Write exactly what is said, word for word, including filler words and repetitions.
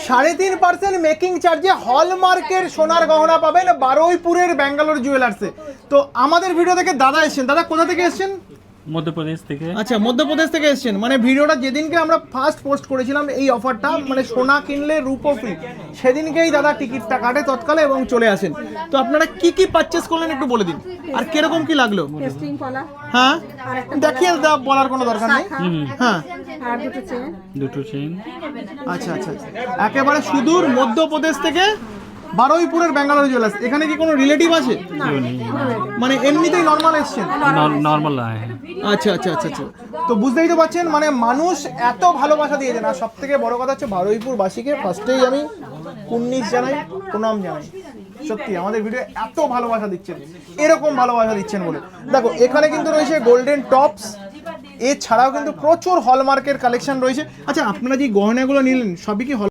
সাড়ে তিন percent making চার্জে হলমার্কের সোনার গহনা পাবেন বারুইপুরের ব্যাঙ্গালোর জুয়েলার্সে। তো আমাদের ভিডিও থেকে দাদা এসেছেন, দাদা কোথা থেকে এসেছেন? মধ্যপ্রদেশ থেকে। আচ্ছা, মধ্যপ্রদেশ থেকে এসেছেন। মানে ভিডিওটা যেদিনকে আমরা ফার্স্ট পোস্ট করেছিলাম এই অফারটা, মানে সোনা কিনলে রূপো ফ্রি, সেদিনকেই দাদা টিকিটটা কাটে তৎকালে এবং চলে আসেন। তো আপনারা কি কি পারচেস করলেন একটু বলে দিন, আর কিরকম কি লাগলো? হ্যাঁ দেখিয়ে দাও, বলার কোনো দরকার নেই। হ্যাঁ দুটো চেইন। আচ্ছা আচ্ছা, একেবারে সুদূর মধ্যপ্রদেশ থেকে বারুইপুরের ব্যাঙ্গালোর জুয়েলার্স। এখানে কি কোনো রিলেটিভ আছে? মানে এমনিতেই নর্মাল এসছেন? নর্মাল আয়। আচ্ছা আচ্ছা আচ্ছা আচ্ছা, তো বুঝতেই তো পারছেন মানে মানুষ এত ভালোবাসা দিয়েছেন। আর সব থেকে বড় কথা হচ্ছে বারুইপুরবাসীকে ফার্স্টেই আমি কুন্নিশ জানাই, প্রণাম জানাই। সত্যি আমাদের ভিডিও এত ভালোবাসা দিচ্ছেন, এরকম ভালোবাসা দিচ্ছেন বলে। দেখো এখানে কিন্তু রয়েছে গোল্ডেন টপস, এছাড়াও কিন্তু প্রচুর হলমার্কের কালেকশন রয়েছে। আচ্ছা, আপনারা যে গহনাগুলো নিলেন সবই কি হল